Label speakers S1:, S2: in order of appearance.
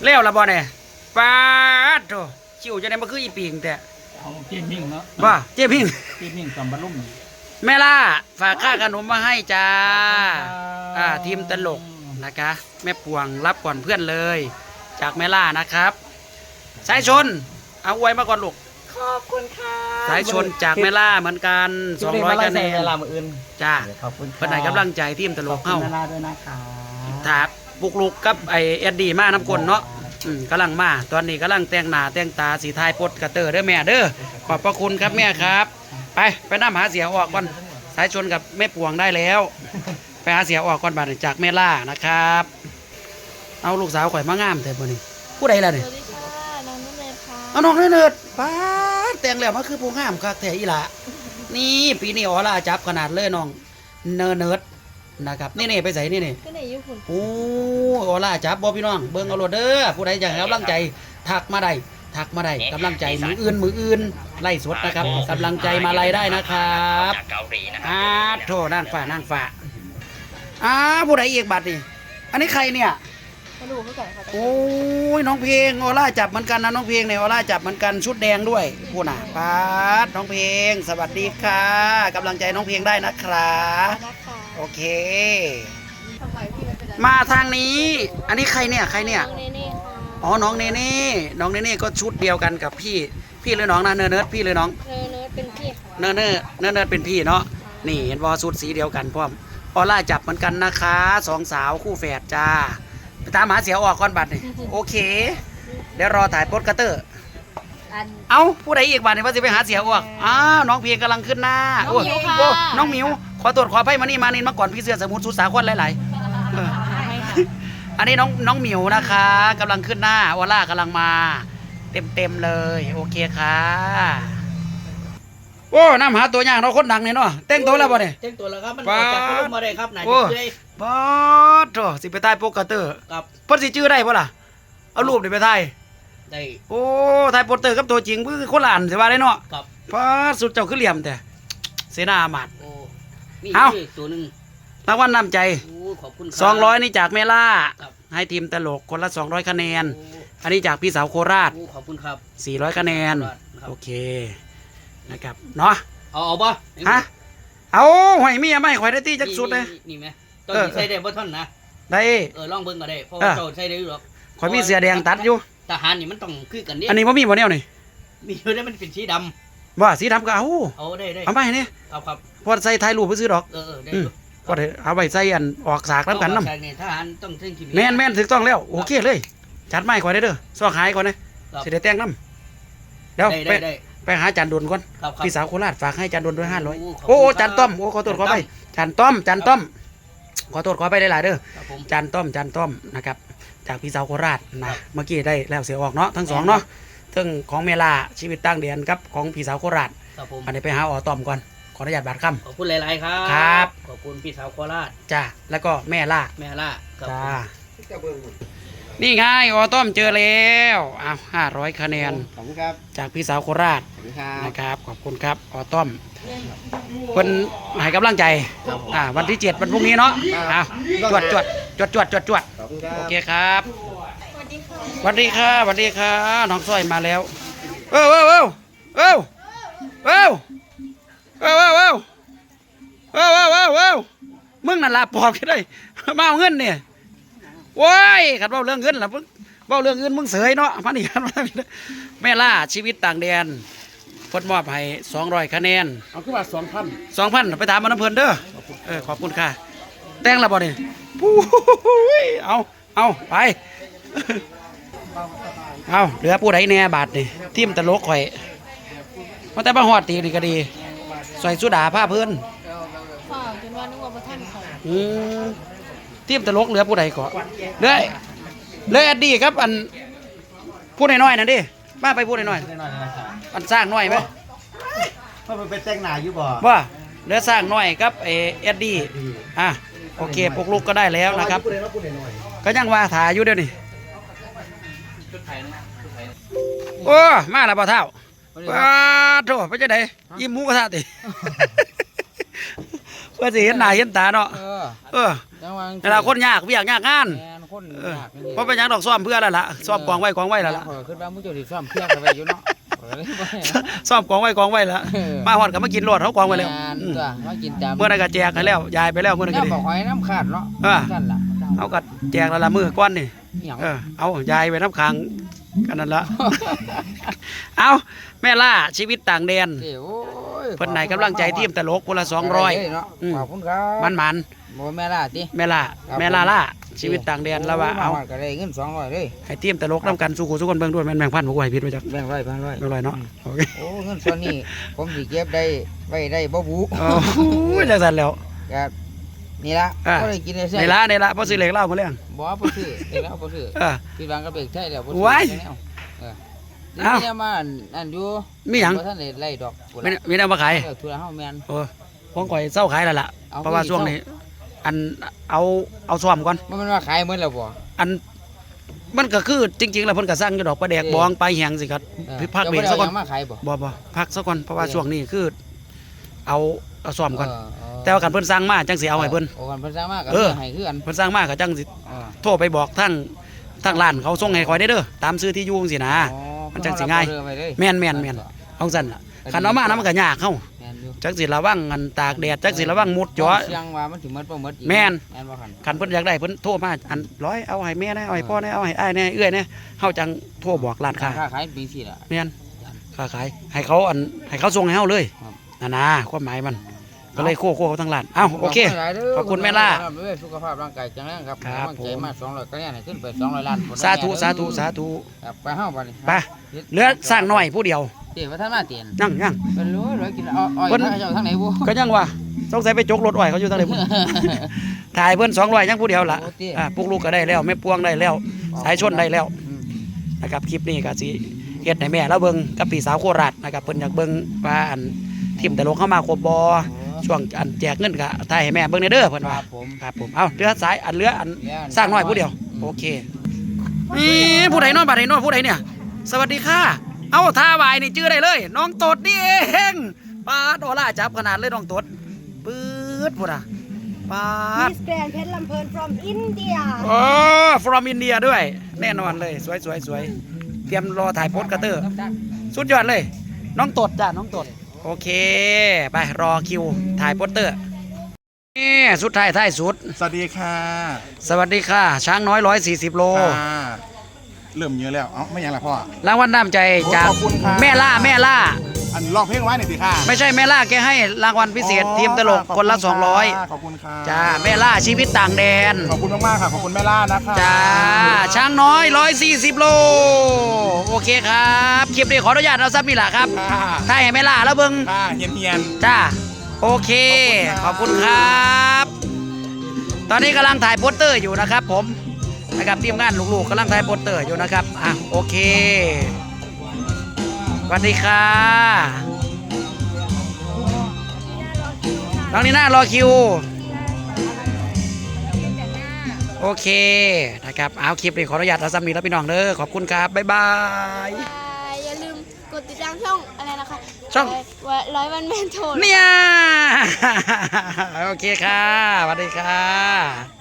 S1: แล้วละบ่เนี่ยป้าดโธ่ชิวจะได้มาคืออีปิงแต่
S2: เอาเจี๊ยบมิ่งเนาะ
S1: ว่าเจ๊พิง
S2: เจี๊ยบมิ่งกำบัลลุ่ม
S1: แม่ล่าฝากค่าขนมมาให้จ้าทีมตลกนะคะแม่พวงรับก่อนเพื่อนเลย จากแม่ล่านะครับสายชนเอาอวยมาก่อนลูก
S3: ขอบคุณค่ะ
S1: สายชนจากแม่ล่าเหมือนกัน200คะแนนจ้า
S3: ขอบคุณ
S1: เพื่อนไหนกำลังใจทีมตลกเข้า
S3: แม่ล่าด้วยนะคะ
S1: ถาบุกลุกกับไอเอ็ดดี้มาน้ำกลเนาะกำลังมาตอนนี้กำลังแต่งหน้าแต่งตาสีทายปดกระเตอร์เด้อแม่เด้อขอบพระคุณครับแม่ครับไปน้ำหาเสียออกก่อนสายชนกับแม่พวงได้แล้วไปหาเสียออกก่อนบัดจากแม่ล่านะครับเอาลูกสาวข่อยมางามเถอะบ่นี่ผู้ใดล่ะนี่
S4: สวัสดีค่ะน้องนุ่นเลยค่ะ
S1: เอาน้องเนิร์ดป้าแต่งแล้วมันคือผู้งามคักแท้อีหล่ะนี่ปีนี้อ๋อล่าจับขนาดเลยน้องเนิร์ดนะครับนี่ไปใส่นี่
S4: ก็ในญี่ปุ่น
S1: โอ้โอล่าจับบ่พี่น้องเบิ่งเอาโลดเด้อผู้ใดอยากให้กำลังใจทักมาได้กำลังใจมืออื่นไล่สดนะครับกำลังใจมาไล่ได้นะครับโทษนางฟ้าผู้ใดอีกบัตรนี่อันนี้ใครเนี่ย
S4: มาดูเขาก่อนค่ะ
S1: โอ้ยน้องเพลงโอล่าจับเหมือนกันนะน้องเพลงเนี่ยโอล่าจับเหมือนกันชุดแดงด้วยผู้น่ะปาดน้องเพลงสวัสดีค่ะกำลังใจน้องเพลงได้นะครับโอเคมาทางนี้อันนี้ใครเนี่ยอ๋อน้องเนเน่ก็ชุดเดียวกันกับพี่เลยน้องนะเนิร์ดพี่เลยน้อง
S4: เนิร์ดเป็นพี่
S1: เนิร์ดเป็นพี่เนาะนี่เห็นวอชุดสีเดียวกันพร้อมออล่าจับเหมือนกันนะคะสองสาวคู่แฝดจ้าไปตามหาเสียออกก่อนบัตรนี่โอเคเดี๋ยวรอถ่ายโปสเกอร์เอาผู้ใดอีกบัตรนี่ว่าจะไปหาเสียออกน้องเพียงกำลังขึ้นหน้าโอ้น้องมิวขอตรวจขอไพ่มานี่มาก่อนพี่เสือสมุทรสุสาครหลายอันนี้น้องหมิวนะคะกำลังขึ้นหน้าออล่ากำลังมาเต็มเลยโอเคค่ะโอ้น้ำหาตัวอย่างเราคนดังเนี่ยเนาะเต้งตัวแล้วบ่เนี่ย
S3: เต้งตัวแล้วครับมันจากพุ่มมาได้ครับไหนจะได้
S1: บอสโธ่สิไปใต้โปกเตอร์
S3: ครับ
S1: เพิ่นสิชื่อได้ป่ะล่ะเอารูปนี่ไปถ่าย
S3: ได้
S1: โอ้ถ่ายโปสเตอร์กับตัวจริงคือคนละอันสิว่าได้เนาะ
S3: ครับ
S1: พอสุดเจ้าคือเหลี่ยมแต่เสนาหมัด
S3: โอ้นี่ตัวนึง
S1: รางวัลนำใจ
S3: ขอบคุณ
S1: 200นี่จากเมล่าให้ทีมตลกคนละ200คะแนนอันนี้จากพี่สาวโคราช
S3: ขอบคุณครับ
S1: 400คะแนนโอเคนะครับเนาะ
S3: เอาป่ะ
S1: ฮะเอาหอยมีไม่ข่อยได้ตีจักสุดเลย
S3: นี่ไหมตอนใส่ได้บ่ท่อนนะ
S1: ได้
S3: ลองเบิ่งก็ได้เพราะว่าโจใส่ได้อยู่หรอก
S1: ข่อยมีเสื้อแดงตัดอยู่
S3: ทหารนี่มันต้องคือกันนี่
S1: อันนี้ว่ามีบ่แนวนี่
S3: มีอยู่ได้มันเป็นสีด
S1: ำว่าสีดำก็เอา
S3: ได้
S1: เอาไปนี่
S3: ครับ
S1: พอใส่ถ่ายรูปไปซื้อดอก
S3: ได้
S1: ก็ได้เอาไปใส่อันออกสากน้ำกันน้
S3: ำทหารต้องเส้นขีด
S1: แม่นถูกต้องแล้วโอเคเลยจัดไม้ข่อยได้เด้อซอกหายก่อนนะสิได้แต่งน้ำเดี๋ยวไปหาจานดนก่อนพี่สาวโคราชฝากให้จานดนด้วย500โอ้จานต้อมโอ้ขอโทษขอไปจานต้อมขอโทษขอไปได้หลายเด้อจานต้อมนะครับจากพี่สาวโคราชนะเมื่อกี้ได้แล้วเสียออกเนาะทั้งสองเนาะทั้งของเมลาชีวิตตั้งเดือนกับของพี่สาวโคราชอันนี้ไปหาต้อมก่อนขออนุญาตบาดคำ
S3: ขอบคุณหลายๆครับ
S1: ครับ
S3: ขอบคุณพี่สาวโคราช
S1: จ้าแล้วก็แม่ล่า
S3: จ้า
S1: นี่ไงต้อมเจอแล้ว500คะแนน
S3: ขอบคุณครับ
S1: จากพี่สาวโคราชนะครับขอบคุณครับต้อมคนให้กำลังใจวันที่7วันพรุ่งนี้เนาะจวดโอเคครับสวัสดีค่ะน้องสร้อยมาแล้วมึงนั่นลาปอบกันได้มาเอาเงินเนี่ยว้ายขัดเบ้าเรื่องเงินล่ะเบ้าเรื่องเงินมึงเสยเนาะมานี่กันแม่ล่าชีวิตต่างแดนพดมอบให้200คะแนน
S2: เอาขึ้นมา2,000
S1: ไปถามมันน้ำเพลินเด้อขอบคุณค่ะแต่งละบ่เนี่ยเอาไปเอาเหลือผู้ใดแน่บาทนี่ทีมตลกข่อยมาแต่มาหอดตีนี่ก็ดีใส่สุดาผ้าเพื่อน
S4: จนว่านึกว่าประท่านเขา
S1: ทีมตลกเหลือผู้ใดก่อนเลยอดีครับอันพูดน้อยๆนั่นดิมาไปพูดน้อยอันสร้างน้อยไหม
S3: เพราะมันเป็นแต่งหน้าอยู่บ่
S1: ว่าเหลือสร้างน้อยครับเอ็ดดี้โอเคปลุกลุกก็ได้แล้วนะครับก็ยังว่าถ่ายอยู่เดี๋ยวนี้โอ้มาแล้วบ่เท่าโธ่ไปจะไหนยิ้มหมูกระทะติเพื่อสิเห็นหน้าเห็นตาเนาะเวลาคนยากเวียกยากงาน
S3: ค
S5: คน
S1: เออย
S5: ากนี่
S1: เพราะเป็นหยังดอกซ่อมเพื่อแล้วล่ะซ่อมกองไว้แล้วล่ะ
S5: ขึ้นว่ามุ้งโจสิซ่อมเพียงเข้าไปอยู่เนาะก็เลยบ่ให้นะ
S1: ซ่อมกองไว้แล้วมาฮอดก็มากินรถเขากองไว้แล้ว
S5: งาน
S1: อืม
S5: ตัวมากินตาม
S1: เมื่อนั้นก็แจกให้แล้วยายไปแล้วเมื่อนั้น
S5: แล้
S1: ก็
S5: ว
S1: ดี
S5: บอกหอยน้ำขาดเนาะ
S1: เออ
S5: นั่นล่ะ
S1: เอาก็แจกแล้วล่ะมื้อก้อนนี่
S5: หยัง
S1: เอายายไปน้ำค้างกันนั่นละ เอาแม่ล่าชีวิตต่างแดน
S5: เดี๋ยวโอ้ย
S1: เพิ่นไหนกำลังใจทีมตลกคนละ
S5: ได้เลยเนาะ
S1: อืม
S5: ขอบคุณครับ
S1: 200มัน
S5: บ่แม่ล่ะติ
S1: แม่ล่า
S5: ครับ
S1: แม่ล่าชีวิตต่างแดนแล้วว่าเอา
S5: มฮดก็ได้เงิน200เลย
S1: ให้ทีมตลกนํกันสู่คนเบิ่งด้วยแม่นแบ่งพันบ่กูให้ผิดไว้จัก
S5: แบ่งร้อยแบ่งร้อย
S1: เรียบร้อยเนาะโอเค
S5: โอ้เงินส่วนนี้ผมสิเก็บได้ไว้ได้บ่บุ
S1: โอ้ยจังซั่นแล้ว
S5: ครับนี่ละ
S1: อ่ะ
S5: ก็ได้กินได้ใช่
S1: ในละบ่ซื้อเหล็กเหล้ามาแล้ว
S5: บ่บ่ซื้อเด็กแล้วบ่ซื้อ
S1: เออ
S5: พี่บางก็เบรกใช่แล้วบ่
S1: ไว้
S5: ซื้อแล้วเออ
S1: เอ้า
S5: นี่มาอันอยู่
S1: มีหยัง
S5: บ่ทันได้ไล่ดอกพุ่น
S1: มี
S5: ล่ะ
S1: มีแนวมาขาย
S5: เออทุระเฮาแม่น
S1: โอ้ของข่อยเศร้าขายแล้วล่ะ
S5: เอา
S1: เพราะว่า
S5: ไป
S1: ช่วงนี้ อันเอาซ่อมก่อน
S5: บ่แม่นว่าขายหมดแล้วบ่
S1: อันมันก็คือจริงๆแล้วเพิ่นก็สั่งอยู่ดอกปลาแดกบองปลาแหงสิครับ
S5: เออ
S1: พักเบรกซะก่อน
S5: จ้าบ่ได้เอาหยังมาขายบ่
S1: บ่พักซะก่อนเพราะว่าช่วงนี้คือเอาซ่อมก่อน
S5: เออ
S1: แต่ว่าคันเพิ่นสั่งมาจังสิเอาให้เพิ่น
S5: โอ้กันเพิ่นสร้างมาก็
S1: เออ
S5: ให้คือกัน
S1: เพิ่นสั่งมาก็จังสิ
S5: เออ
S1: โทรไปบอกทั้งร้านเขาส่งให้ข่อยได้เด้อตามซื้อที่อยู่จังซี่นะ
S5: อ๋อ
S1: มันจังสิง่าย
S5: เพิ่นเอเอไว้เลย
S1: แม่นเอาซั่นล่ะคันเอามานะมันก็ยากเฮา
S5: แม่นอยู่
S1: จักสิระวังอันตากแดดจักสิระวังมุดจ่อ
S5: เสียงว่ามันสิหมดบ่หมดอีก
S1: แม่น
S5: แม่นบ่คัน
S1: คันเพิ่นอยากได้เพิ่นโทรมาอันร้อยเอาให้แม่นะเอาให้พ่อนะเอาให้อ้ายนะเอื้อยนะเฮาจังโทรบอกร้านค้า
S5: ค่าขายเป็นสิล่ะ
S1: แม่นค้าขายให้เขาส่งให้เฮาเลย
S5: ครับ
S1: นั่นนะความหมายมันก็เลยโค้เขาทั้งร้านเอ้าโอเค ขอบคุณแม่ล่า
S5: สุขภาพร่างกายแข็งแรงครับ
S1: ครับ
S5: กำลังใจมา200คะแนนให้ขึ้นไป200ล้าน
S1: สาธุสาธุสาธุ
S5: ครับไปเฮาบัดนี้
S1: ไปเหลือสร้างหน่อยผู้เดียว
S5: เดี๋ยวว่าท่านมาเตียน
S1: ยัง
S5: เป็นรู้ร้อยกินอ้อย
S1: เพิ่น
S5: ถ้าเจ้าทางไหนบ่
S1: ก็ยังว่าสงสัยไปจกรถอ้อยเขาอยู่ทางไหนพุ่น ถ่ายเพิ่น200ยังผู้เดียวล่ะ
S5: โอ้ติ
S1: ปลูกลูกก็ได้แล้วแม่พวงได้แล้ว สายชนได้แล้ว
S5: อืม
S1: นะครับคลิปนี้ก็สิเฮ็ดให้แม่เราเบิ่งกับพี่สาวโคราชนะครับเพิ่นอยากเบิ่งว่าอันทีมตลกเข้ามาครบบ่ช่วงอันแจกเงินก็ถ่ายให้แม่เบิ่งในเด้อเพิ่น
S5: ค
S1: ว่า
S5: รับผม
S1: ครับผมเอาเรือสายอันเรืออันสร้างน้อยผู้เดียวโอเคนี่ผู้ใดเนอนบัดใดเนอนผู้ใดเนี่ย สวัสดีค่ะ เอาท่าวายนี่ชื่อได้เลย น้องตดนี่เองปาดโอล่าจับขนาดเลยน้องตดปื๊ดพุ่นอ่ะปาด
S6: Miss Grand เพชรลำเพลิน from India
S1: โอ้ from India ด้วย แน่นอนเลยสวยสวยสวยเตรียมรอถ่ายโพสต์กระเตอร์ สุดยอดเลย น้องตดจ้ะน้องตด โอเค ไปรอคิวถ่ายโปสเตอร์นี่สุดท้ายท้ายสุด
S7: สวัสดีค่ะ
S1: สวัสดีค่ะ ช้างน้อย140 โล
S7: ค่ะเริ่มเยอะแล้ว เอ้าไม่ยังละพ่อ
S1: รางวัลน้ำใจจาก
S7: ขอบคุณครับ
S1: แม่ล่า
S7: อันลองเพลงไว้หน่อยสิค่ะ
S1: ไม่ใช่แม่ล่าแกให้รางวัลพิเศษทีมตลกคนละ
S7: ขอบณค่ะขอบคุณค่ะ
S1: 200จ้าแม่ล่าชีวิตต่างแดน
S7: ขอบคุณมากๆค่ะ ขอบคุณแม่ล่านะคะ
S1: จ้าช้างน้อย140 โล โอเคครับคลิปนี้ขออนุญาตเอาซับนี่แหละครับ
S7: ค่ะ
S1: ถ้าให้แม่ล่าแล้วเบิ่ง
S7: ค่ะเฮียน
S1: จ้าโอเค ขอบคุณครับ ตอนนี้กำลังถ่ายโปสเตอร์อยู่นะครับผมนะครับทีมงานลูกๆกำลังถ่ายโปสเตอร์อยู่นะครับอ่ะโอเคสวัสดีค่ะน้องนีน่ารอคิวโอเคนะครับเอาคลิปนี้ขออนุญาตเอาซ้ำนี้แล้วพี่น้องเด้อขอบคุณครับบ๊ายบาย
S4: อย่าลืมกดติดตามช่องอะไรนะคะ
S1: ช่อง
S4: ร้อยวันแมนโทน
S1: เนี่ย โอเคค่ะสวัสดีค่ะ